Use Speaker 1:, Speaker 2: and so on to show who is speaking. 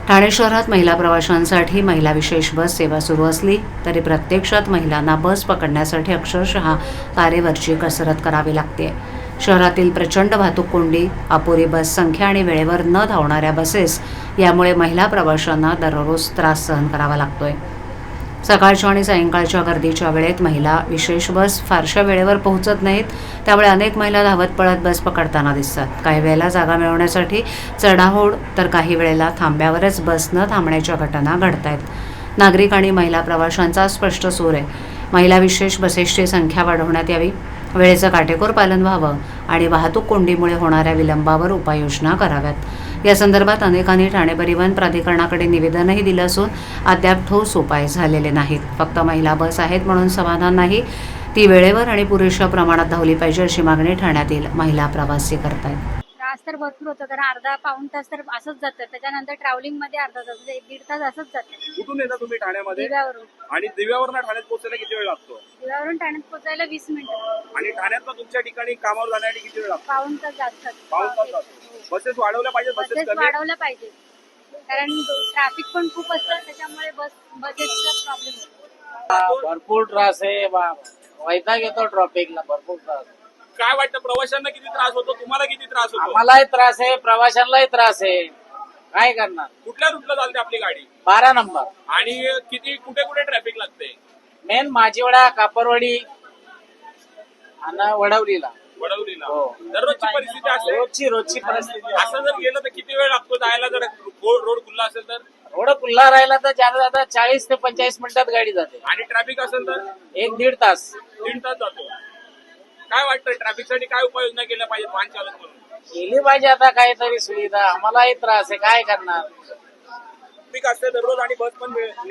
Speaker 1: ठाणे शहरात महिला प्रवाशांसाठी महिला विशेष बस सेवा सुरू असली तरी प्रत्यक्षात महिलांना बस पकडण्यासाठी अक्षरशः तारेवरची कसरत करावी लागते. शहरातील प्रचंड वाहतूक कोंडी, अपुरी बस संख्या आणि वेळेवर न धावणाऱ्या बसेस यामुळे महिला प्रवाशांना दररोज त्रास सहन करावा लागतोय. सकाळच्या आणि सायंकाळच्या गर्दीच्या वेळेत महिला विशेष बस फारशा वेळेवर पोहोचत नाहीत. त्यामुळे अनेक महिला धावत पळत बस पकडताना दिसतात. काही वेळेला जागा मिळवण्यासाठी चढाओढ तर काही वेळेला थांब्यावरच बस न थांबण्याच्या घटना घडत आहेत. नागरिक आणि महिला प्रवाशांचा स्पष्ट सूर आहे. महिला विशेष बसेसची संख्या वाढवण्यात यावी, वेळेचं काटेकोर पालन व्हावं आणि वाहतूक कोंडीमुळे होणाऱ्या विलंबावर उपाययोजना कराव्यात. या संदर्भात अनेकांनी ठाणे परिवहन प्राधिकरणाकडे निवेदनही दिलं असून अद्याप ठोस उपाय झालेले नाहीत. फक्त महिला बस आहेत म्हणून समाधान नाही, ती वेळेवर आणि पुरेशा प्रमाणात धावली पाहिजे अशी मागणी ठाण्यातील महिला प्रवासी करतायत.
Speaker 2: त्रास तर भरपूर होतो, कारण अर्धा पाऊण तास तर असंच जातं. त्याच्यानंतर ट्रॅव्हलिंग मध्ये अर्धा तास, म्हणजे 1-1.5 तास असंच जातं.
Speaker 3: कुठून येता तुम्ही ठाण्यामध्ये?
Speaker 2: दिव्यावरून.
Speaker 3: आणि दिव्यावरून ठाण्यात पोहोचायला किती वेळ लागतो?
Speaker 2: दिव्यावरून ठाण्यात पोहोचायला 20 मिनिटं.
Speaker 3: आणि ठाण्यातनं तुमच्या ठिकाणी कामावर जाण्यासाठी किती वेळ लागतो?
Speaker 2: पाऊण तास जातात.
Speaker 3: पाऊण तास जातो. बसेस वाढवल्या पाहिजे,
Speaker 2: बसेस
Speaker 3: बसेस कमी
Speaker 2: वाढवल्या पाहिजे, कारण ट्रॅफिक पण खूप असतं, त्याच्यामुळे बसेसचा प्रॉब्लेम होतो.
Speaker 4: भरपूर त्रास आहे. वैताग येतो ट्रॉफिकला, भरपूर त्रास.
Speaker 3: काय वाटतं, प्रवाशांना किती त्रास होतो, तुम्हाला किती त्रास होतो?
Speaker 4: आम्हालाही त्रास आहे, प्रवाशांनाही त्रास आहे. काय करणार?
Speaker 3: कुठल्या रूटला चालते आपली गाडी?
Speaker 4: 12 नंबर.
Speaker 3: आणि किती कुठे कुठे ट्रॅफिक लागते?
Speaker 4: मेन माझीवडा, कापरवाडी आणि वडवलीला.
Speaker 3: वडवलीला.
Speaker 4: हो.
Speaker 3: दररोजची परिस्थिती असते.
Speaker 4: रोजची परिस्थिती.
Speaker 3: असं जर गेलं तर किती वेळ लागतो जायला, जर रोड खुल्ला असेल तर?
Speaker 4: रोड खुल्ला राहिला तर जाता 40 ते 45 मिनिटात गाडी जाते.
Speaker 3: आणि ट्रॅफिक असेल तर
Speaker 4: 1-1.5 तास.
Speaker 3: 3 तास जातो. काय वाटतं, ट्रॅफिकसाठी काय उपाययोजना केल्या पाहिजेत वाहन चालक म्हणून?
Speaker 4: केली पाहिजे आता काहीतरी सुविधा. आम्हालाही त्रास आहे, काय करणार?
Speaker 3: ट्रॅफिक असते दररोज आणि बस पण